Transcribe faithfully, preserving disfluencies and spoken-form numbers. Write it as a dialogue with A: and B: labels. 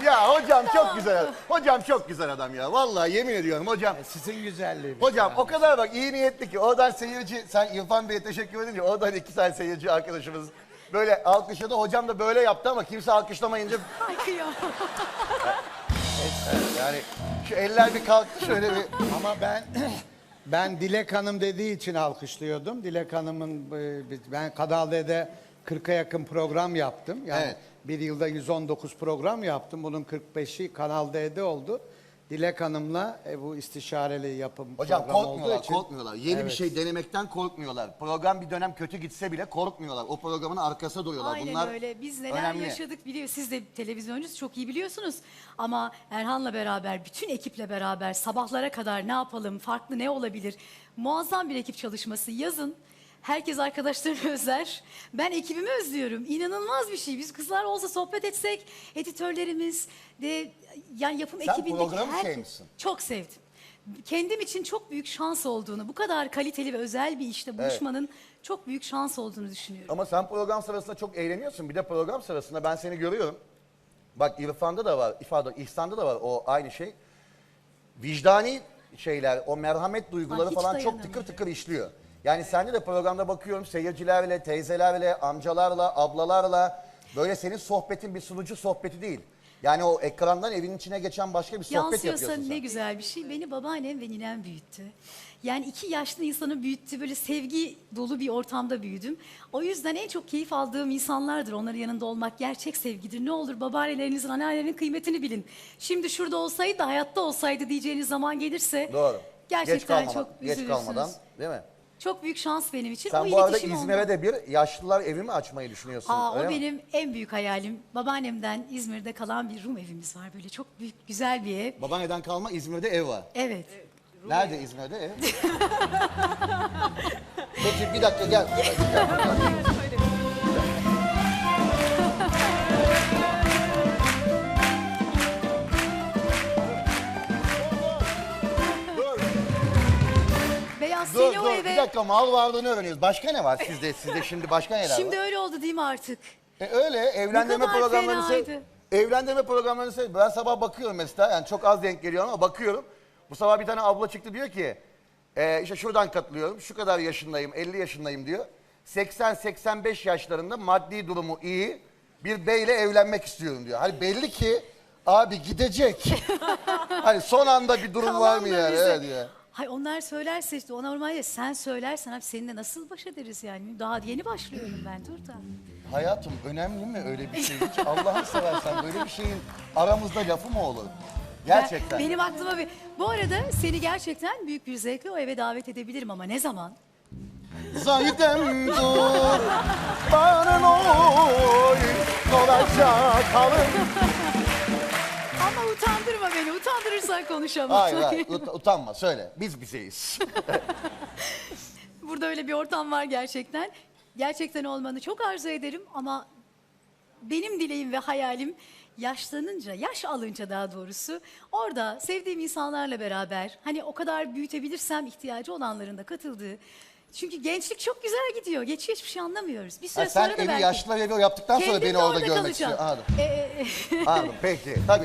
A: Ya hocam çok güzel adam. Hocam çok güzel adam ya. Vallahi yemin ediyorum hocam.
B: Sizin güzelliğiniz.
A: Hocam
B: yani.
A: o kadar bak iyi niyetli ki oradan seyirci, sen İrfan Bey'e teşekkür edince oradan iki tane seyirci arkadaşımız böyle alkışladı. Hocam da böyle yaptı ama kimse alkışlamayınca
C: Ay kıyamam.
A: yani şu eller bir kalktı şöyle bir.
B: Ama ben ben Dilek Hanım dediği için alkışlıyordum. Dilek Hanım'ın e, ben Kanal D'de kırka yakın program yaptım. Yani
A: Evet.
B: bir yılda yüz on dokuz program yaptım. Bunun kırk beşi Kanal D'de oldu. Dilek Hanım'la e, bu istişareli yapım
A: Hocam
B: programı
A: korkmuyorlar,
B: olduğu için.
A: korkmuyorlar. Yeni bir
B: Evet.
A: şey denemekten korkmuyorlar. Program bir dönem kötü gitse bile korkmuyorlar. O programın arkasında duruyorlar.
C: Aynen
A: Bunlar
C: öyle. Biz neler
A: önemli.
C: yaşadık biliyor. Siz de televizyoncusunuz çok iyi biliyorsunuz. Ama Erhan'la beraber, bütün ekiple beraber sabahlara kadar ne yapalım, farklı ne olabilir? Muazzam bir ekip çalışması. Yazın herkes arkadaşlarını özler. Ben ekibimi özlüyorum. İnanılmaz bir şey. Biz kızlar olsa sohbet etsek, editörlerimiz de yani yapım
A: Sen
C: ekibindeki
A: programı
C: herkes-
A: sevmişsin.
C: Çok sevdim. Kendim için çok büyük şans olduğunu, bu kadar kaliteli ve özel bir işte buluşmanın çok büyük şans olduğunu düşünüyorum.
A: Ama sen program sırasında çok eğleniyorsun. Bir de program sırasında ben seni görüyorum. Bak İrfan'da da var, ifade İhsan'da da var o aynı şey. Vicdani şeyler, o merhamet duyguları
C: Ay, hiç
A: falan çok
C: dayanamıyorum.
A: tıkır tıkır işliyor. Yani sende de programda bakıyorum seyircilerle, teyzelerle, amcalarla, ablalarla böyle senin sohbetin bir sunucu sohbeti değil. Yani o ekrandan evin içine geçen başka bir sohbet
C: Yansıyorsa
A: yapıyorsun sen.
C: ne güzel bir şey. Beni babaannem ve ninem büyüttü. Yani iki yaşlı insanı büyüttü. Böyle sevgi dolu bir ortamda büyüdüm. O yüzden en çok keyif aldığım insanlardır. Onların yanında olmak gerçek sevgidir. Ne olur babaannelerinizin, anneannelerin kıymetini bilin. Şimdi şurada olsaydı da hayatta olsaydı diyeceğiniz zaman gelirse
A: Doğru.
C: gerçekten
A: geç kalmadan,
C: çok
A: geç
C: üzülürsünüz.
A: kalmadan değil mi?
C: Çok büyük şans benim için.
A: Sen
C: o
A: bu arada
C: iletişim
A: İzmir'e
C: ondan.
A: de bir yaşlılar evi mi açmayı düşünüyorsun?
C: Aa,
A: öyle
C: o
A: mi?
C: benim en büyük hayalim. Babaannemden İzmir'de kalan bir Rum evimiz var. Böyle çok büyük, güzel bir ev.
A: Babaanneden kalma İzmir'de ev var.
C: Evet.
A: Nerede İzmir'de ev? Peki bir dakika gel. Bir dakika, gel, gel. Dur,
C: Beyaz
A: dur,
C: seni o
A: dur.
C: eve...
A: Bir dakika mal varlığını öğreniyoruz. Başka ne var sizde? Sizde şimdi başka neler
C: Şimdi
A: var?
C: öyle oldu değil mi artık?
A: E öyle evlendirme
C: kadar
A: programlarını sev...
C: fenaydı.
A: Evlendirme programlarını sev... Ben sabah bakıyorum mesela yani çok az denk geliyor ama bakıyorum. Bu sabah bir tane abla çıktı diyor ki e, işte şuradan katılıyorum şu kadar yaşındayım elli yaşındayım diyor. seksen seksen beş yaşlarında maddi durumu iyi bir beyle evlenmek istiyorum diyor. Hani belli ki abi gidecek. Hani son anda bir durum var mı
C: Kalan da
A: yani?
C: bize.
A: Evet ya.
C: Hay onlar söylerse işte o normalde sen söylersen abi seninle nasıl baş ederiz yani? Daha yeni başlıyorum ben dur da.
A: Hayatım önemli mi öyle bir şey? Hiç Allah'ını seversen böyle bir şeyin aramızda lafı mı olur? Gerçekten.
C: Ben- benim aklıma bir... Bu arada seni gerçekten büyük bir zevkle o eve davet edebilirim ama ne zaman?
A: Zahidem dur, bana oy, olacak halım.
C: Ama utandırma beni. Utandırırsan konuşamam.
A: Hayır hayır ut- utanma söyle biz bizeyiz.
C: Burada öyle bir ortam var gerçekten. Gerçekten olmanı çok arzu ederim ama benim dileğim ve hayalim yaşlanınca, yaş alınca daha doğrusu orada sevdiğim insanlarla beraber hani o kadar büyütebilirsem ihtiyacı olanların da katıldığı. Çünkü gençlik çok güzel gidiyor. Geçiyor hiçbir şey anlamıyoruz. Bir süre
A: Ha, sen
C: sonra da
A: evi
C: belki
A: yaşlılar evi yaptıktan sonra
C: kendim
A: beni
C: de
A: orada
C: orada
A: görmek
C: kalacağım.
A: istiyorsun. Anladım.
C: E, e, e.
A: Anladım peki tabii.